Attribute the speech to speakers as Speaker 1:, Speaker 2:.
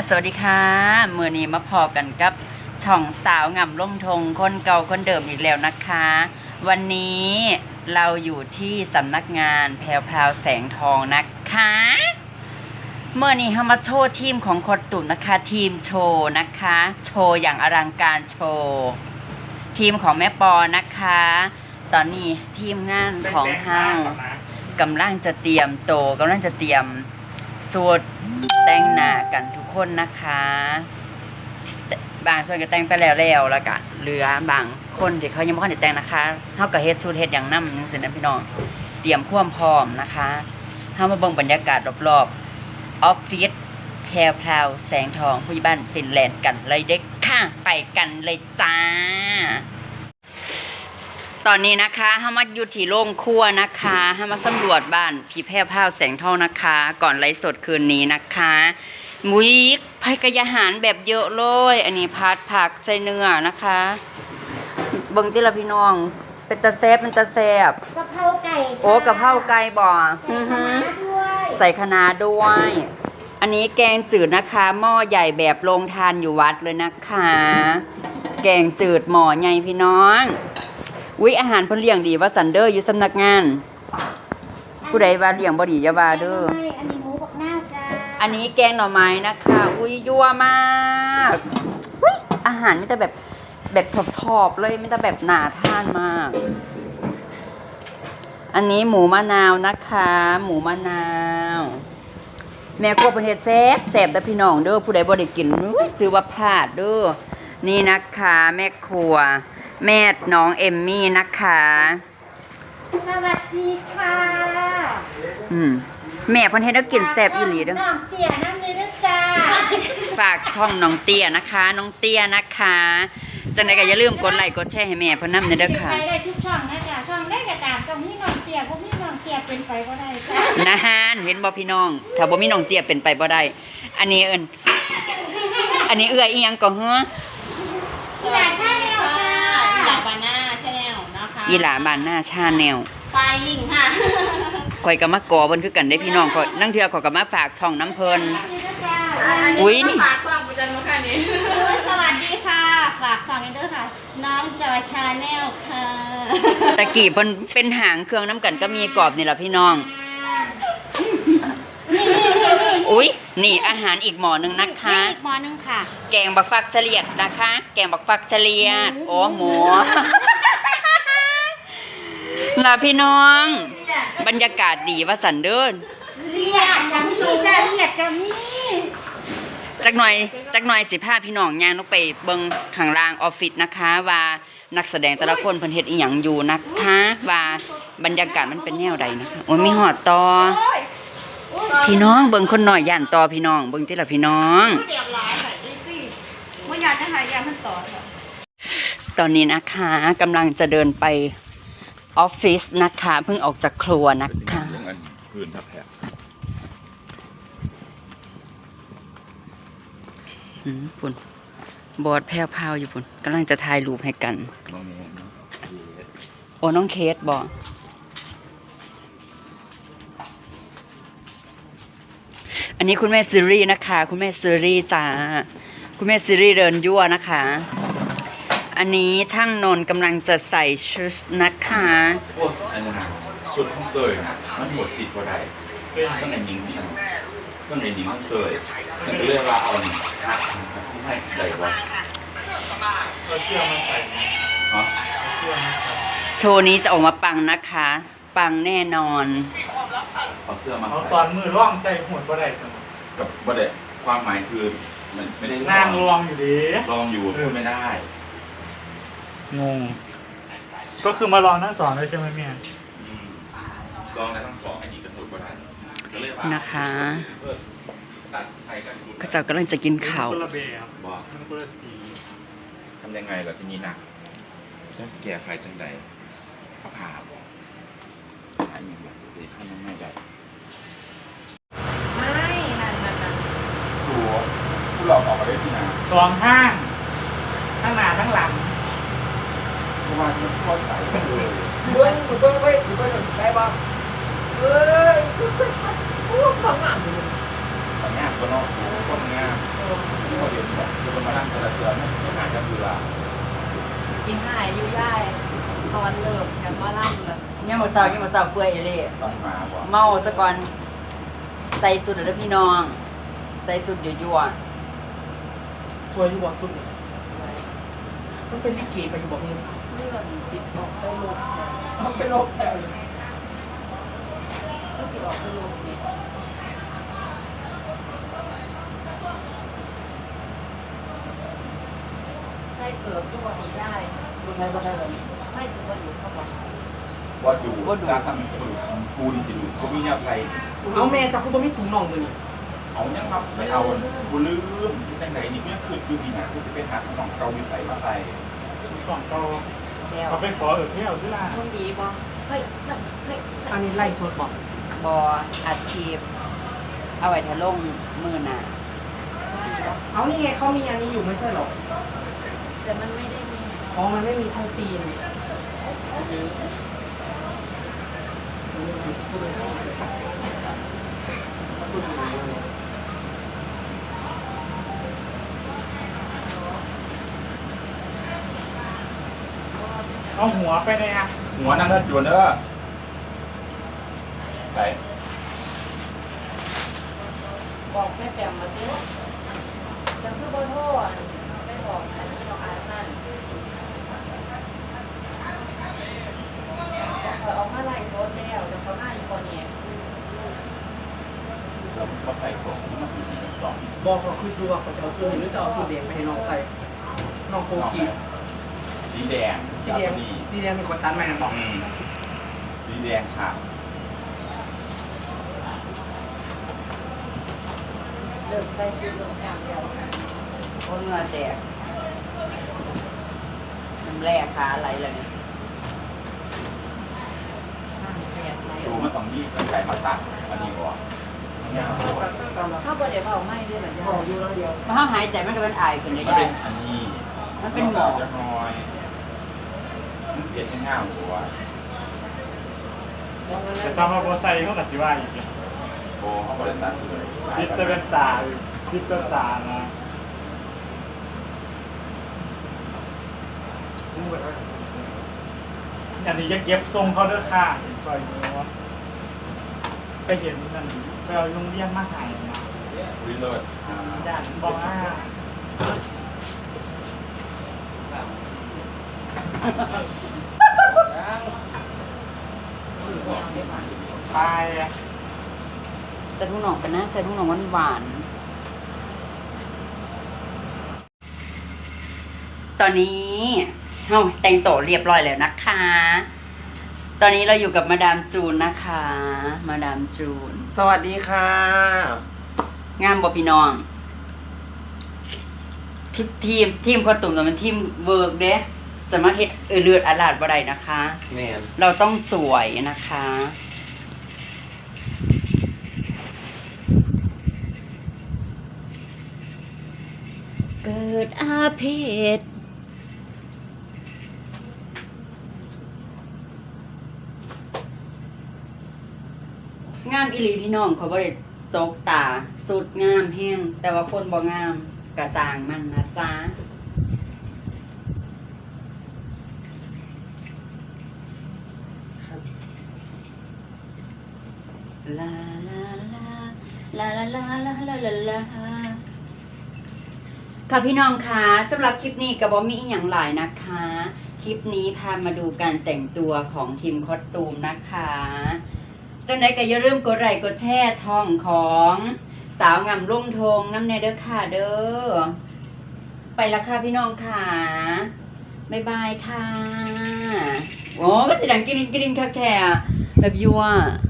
Speaker 1: สวัสดีค่ะมื้อนี้มาพอกันกับช่องสาวงามร่มทงคนเก่าคนเดิมอีกแล้วนะคะ วันนี้เราอยู่ที่สำนักงานแพรวพราวแสงทองนะคะเมื่อนี้เรามาโชว์ทีมของคนตุ่นนะคะทีมโชว์นะคะโชว์อย่างอลังการโชว์ทีมของแม่ปอนะคะตอนนี้ทีมงานของเฮากำลังจะเตรียมโตกำลังจะเตรียมสูตรแต่งหน้ากันทุกคนนะคะบางส่วนก็แต่งไปแล้วแล้วก็เหลือบางคนที่เขายังไม่ได้แต่งนะคะเฮาก็เฮ็ดสูตรเฮ็ดอย่างนำจังซี่นะพี่น้องเตรียมความพร้อมนะคะเฮามาเบิ่งบรรยากาศรอบๆออฟฟิศแพรวพราวแสงทองผู้ใหญ่บ้านฟินแลนด์กันเลยเด็กค่ะไปกันเลยจ้าตอนนี้นะคะเฮามาอยู่ที่โรงครัวนะคะเฮามาสำรวจบ้านพี่แพรวพราวแสงทองนะคะก่อนไลฟ์สดคืนนี้นะคะมุ้ยภัยกายอาหารแบบเยอะเลยอันนี้ผัดผักใส่เนื้อนะคะเบิ่งติละพี่น้องเป็นตาแซ่บเป็นตาแซ่บ
Speaker 2: กะเพราไก่
Speaker 1: โอ้กะเพราไก่บ่ใส่คะน้าด้วย อันนี้แกงจืดนะคะหม้อใหญ่แบบโรงทานอยู่วัดเลยนะคะแกงจืดหม้อใหญ่พี่น้องวิอาหารเพิ่นเลี้ยงดีว่าซันเดอร์อยู่สำนักงานผู้ใดว่าเลี้ยงบ่ดีอย่าว่าเด้อ
Speaker 2: อันนี้หมูบักหน้าจ้า
Speaker 1: อันนี้แกงหน่อไม้นะคะอุ้ยยั่วมากอุ้ยอาหารมีแต่แบบชอบๆเลยมีแต่แบบน่าทานมากอันนี้หมูมะนาวนะคะหมูมะนาวแม่ครัวเพิ่นเฮ็ดแซ่บแซ่บแต่พี่น้องเด้อผู้ใดบ่ได้กินซื้อว่าพลาดเด้อนี่นะคะแม่ครัวแม่น้องเอมมี่นะคะ
Speaker 2: สวัสดีค่ะ
Speaker 1: แม่เพิ่นเฮ็ดให้กินแซ่บอีหลีเด้อ
Speaker 2: น้องเตี้ยน้ำเลยนะจ้า
Speaker 1: ฝากช่องน้องเตี้ยนะคะน้องเตี้ยนะคะจังได๋ก็อย่าลืมกดไลค์กดแชร์ให้แม่เพิ่นนำเด้อค่ะ
Speaker 2: ไปได้ทุกช่องนะจ้าช่องได้ก็ตามตรงนี้น้องเตี้ยพวกนี้น้องเตี้ยเป็นไปบ่ได้จ้า
Speaker 1: นะฮะเห็นบ่พี่น้องถ้าบ่มีน้องเตี้ยเป็นไปบ่ได้อันนี้เอื้อยอีหยังก็เฮ้อ
Speaker 2: อีหลาชาแนลค่ะ
Speaker 3: อีหลาบาน่าชาแนลนะคะ
Speaker 1: อีหลาบ้านหน้าชาแนล
Speaker 3: ไฟลิงค่ะ
Speaker 1: ข่อยก็มากอเพิ่นคือกันได้พี่น้องข่อยนั่งเทื่อข่อยก็มาฝากช่องน้ำเพิ่น
Speaker 3: อุ้ยนี่ฝากความประจันมาค่ะนี่
Speaker 2: สวัสดีค่ะฝากสองกันด้วยค่ะน้องจอยชาแนลค่ะ
Speaker 1: ตะกี้เพิ่นเป็นหางเครื่องน้ำกันก็มีกรอบนี่ล่ะพี่น้องอุ้ยนี่อาหารอีกหม้อนึงนะคะ
Speaker 2: อีกหม้อนึงค่ะ
Speaker 1: แกงบักฟักเฉลียดนะคะแกงบักฟักเฉลียดโอ้หมูล่ะพี่น้องบรรยากาศดีว่าสันเดิน
Speaker 2: เรียดกับมีจ้าเรียดกับมี
Speaker 1: จักหน่อยสิพาพี่น้องย่างลงไปเบิ่งข้างล่างออฟฟิศนะคะว่านักแสดงแต่ละคนเพิ่นเฮ็ดอีหยังอยู่นะคะว่าบรรยากาศมันเป็นแนวใดนะคะโอ้ยมีหอดต่อพี่น้องเบิ่งคนหน่อยย่านต่อพี่น้องเบิ่งติล่ะพี่น้อง
Speaker 3: เรียบร้อยค่ะอีซี่บ่อยากจะหายามันต่อค่ะ
Speaker 1: ตอนนี้นะคะกำลังจะเดินไปออฟฟิศนะคะเพิ่งออกจากครัวนะคะ
Speaker 4: พื้นทับแผล
Speaker 1: ปุ่นบอดแพรวๆอยู่ปุ่นกำลังจะถ่ายรูปให้กันโอ้น้องเคสบอกอันนี้คุณแม่ซีรีส์นะคะคุณแม่ซีรีส์จ้าคุณแม่ซีรีส์เดินยั่วนะคะอันนี้ช่างนนท์กำลังจะใส่ชุดนะคะ
Speaker 4: ชุดของเตยนะมันหมดสิทธิ์พอได้ต้องในนิ้งฉันต้องในนิ้งของเตยฉันก็เรียกว่าเอาหนึ่งนะที่ให้ใดวะ
Speaker 5: เอาเสื้อมาใส่
Speaker 4: ฮะ
Speaker 1: โชว์นี้จะออกมาปังนะคะปังแน่นอน
Speaker 4: เอาเสื้อมา
Speaker 5: เอาตอนมือร่องใส่หุ่นบ่ได้สม
Speaker 4: กับบ่ได้ความหมายคือมันไม่ได้
Speaker 5: นั่งลองอยู่ดี
Speaker 4: ลองอยู่พูดไม่ได้
Speaker 5: งงก็คือมาลองทั้งสองเลยใช่ไหมเมีย
Speaker 4: ลองได้ทั้งสองไอ้นี่กระตุ้นก็ได้
Speaker 1: นะคะก็จะกำลังจะกินข้าว
Speaker 5: คนละแบบบอกคนละสี
Speaker 4: ทำยังไงล่ะที่นี่หนักจะแก้ใครจังใดเขาผ่าบอกอันนี้แบบให้น้องแม่ใจ
Speaker 3: ไม่นั่น
Speaker 4: ตัวผู้หลอกออกมาได้ที่ไหน
Speaker 5: สองข้างทั้งหน้าทั้งหลัง
Speaker 4: เพราะว่ามันทอดสายกันเลย
Speaker 3: เบิ้งได้บ้างเฮ้ยทำงานอยู่
Speaker 4: ทำงานก็เนาะคนงานมานั่งแต่ละเดือนไม่หาจะเบื่อ
Speaker 3: กินหายอยู่ย่ายตอนเลิกกันมาล่ำเลย
Speaker 1: ยังมาเศร้าเปื่อยเอเล่
Speaker 4: ต้องมาบ่
Speaker 1: เมาซะก่อนใส่สุดเด้อพี่น้อง ใส่สุดยั่ว
Speaker 6: สวยอยู่บ่สุดเลยมันเป็นลิเกไปอยู่บ่นี่
Speaker 3: เลื่อนสิออกไปลง
Speaker 6: มันเป็นโลกแถวเลย
Speaker 3: ก็สิออกไปลงนี่ ใส่เกิบด้วยนี่ได้
Speaker 6: บ่ใช่บ่ใช่เลย
Speaker 3: ไม่ถือว่าอยู่เข้าไป
Speaker 4: ว่าดูการทำสูตรกูนี่สิดูกูมีแนวไทย
Speaker 6: เอาแม่จับคุณบ่มีถุงน่องตัวนี้
Speaker 4: เอายังครับไม่เอากูลืมที่จังไหนนี่กูยังคืดอยู่ดีนะกูจะไปหาของเกาหลีใส่มาใส่
Speaker 5: ก่อนโต
Speaker 1: ๆแล้ว
Speaker 5: เขาไปขอเที่ยวที่ร้าน
Speaker 3: คนดีบ่เฮ้ยเฮ้ย
Speaker 6: อันนี้ไล่สดบ่
Speaker 1: บออัดคลิปเอาไว้ทะลงมือหน่ะ
Speaker 6: เอานี่ไงเขามีอันนี้อยู่ไม่ใช่หรอ
Speaker 3: แต่มันไม่ได้มี
Speaker 6: อ๋อมันไม่มีไทยตีน
Speaker 5: เอาหัวไปเลยอ่ะ
Speaker 4: หัวนั่งเลิศจวนเด้อใส่
Speaker 3: บอกแม่แปมมาสิจังคือบ่โทษไม่บอกอันนี้เราอ่านนั่นเขาเอามาไล่โซดแล้วแต่เขาหน้าอยู่คนนี้
Speaker 4: แล้วก็ใส่ส่งมันอยู่ในกล่อง
Speaker 6: บอกเขาคือดูว่าเขาจะเอาตัวนี้หรือจะเอาตัวแดงไปให้น้องใครน้องโกกี
Speaker 4: สีแดง
Speaker 6: สีแดงสีแดงเป็นคนตันใหม่นะบอก
Speaker 4: สีแดงค่ะ
Speaker 3: เลิกใส่ชุดลงอย่างเดียว
Speaker 1: โอ้เหงื่อแตกน้ำแร่ขาไหลเลยเนี่ย
Speaker 3: ห้างแปดไหล
Speaker 4: ดูมันต้องยี่กันไก่มาตัดอันนี้ก่อนเนี่ย
Speaker 3: ถ้าบ่ได้เว้าไม่ได้แบบ
Speaker 6: ขออยู่แล้วเดียว
Speaker 1: มันห้าหายใจมันก็เป็นไอขึ้นได้
Speaker 4: มัน
Speaker 1: ยั
Speaker 4: เป็
Speaker 1: ง
Speaker 4: นอันนี้
Speaker 1: มันเป็นหมอก
Speaker 4: จะน้อยมันเสียแค่ห้าหัว
Speaker 5: แต่ซ้ำมาโบไซเขาตัดสิว่าอีกเนี่ย
Speaker 4: โอ้เขาบริษัทเลย
Speaker 5: คิดจะเป็นตาคิดจะตานะอันนี้จะเก็บทรงเขาด้วยค่ะซอยนี้ว่าไปเห็นนั่นไปเอาโรงเรียนมาใหายนะ
Speaker 4: วิเลิศ
Speaker 5: ย่านบอกว่า ไป
Speaker 1: จะทุ่งหนองกันนะจะทุ่งหนองหวานๆตอนนี้เฮ้าแต่งโตวเรียบร้อยแล้วนะคะ ตอนนี้เราอยู่กับมาดามจูนนะคะ มาดามจูน
Speaker 6: สวัสดีค่ะ
Speaker 1: งามบ่พี่น้องทีมพอตุ่มแต่มันทีมเวิร์กเด้จะมาเฮ็ดเลือดอาลาดบ่ได้นะคะ
Speaker 6: แมน
Speaker 1: เราต้องสวยนะคะ เกิดอาเพศงามอีหลีพี่น้องเขาบ่ได้ตกตาสุดงามแห้งแต่ว่าคนบ่งามกระสร้างมันนะจ๊ะลาลาลาลาลาลาลาลาลาลาค่ะพี่น้องคะสำหรับคลิปนี้ก็บ่มีอีหยังหลายนะคะ คลิปนี้พามาดูการแต่งตัวของทีมคอสตูมนะคะจังไดก็อย่าลืมกดไลค์กดแชร์ช่องของสาวงามรุ่งทงน้ำแน่เด้อค่ะเด้อไปละค่ะพี่น้องค่ะบ๊ายบายค่ะโอ้ก็สิดังกริ๊งกริ๊งแท้ๆแบบยั่ว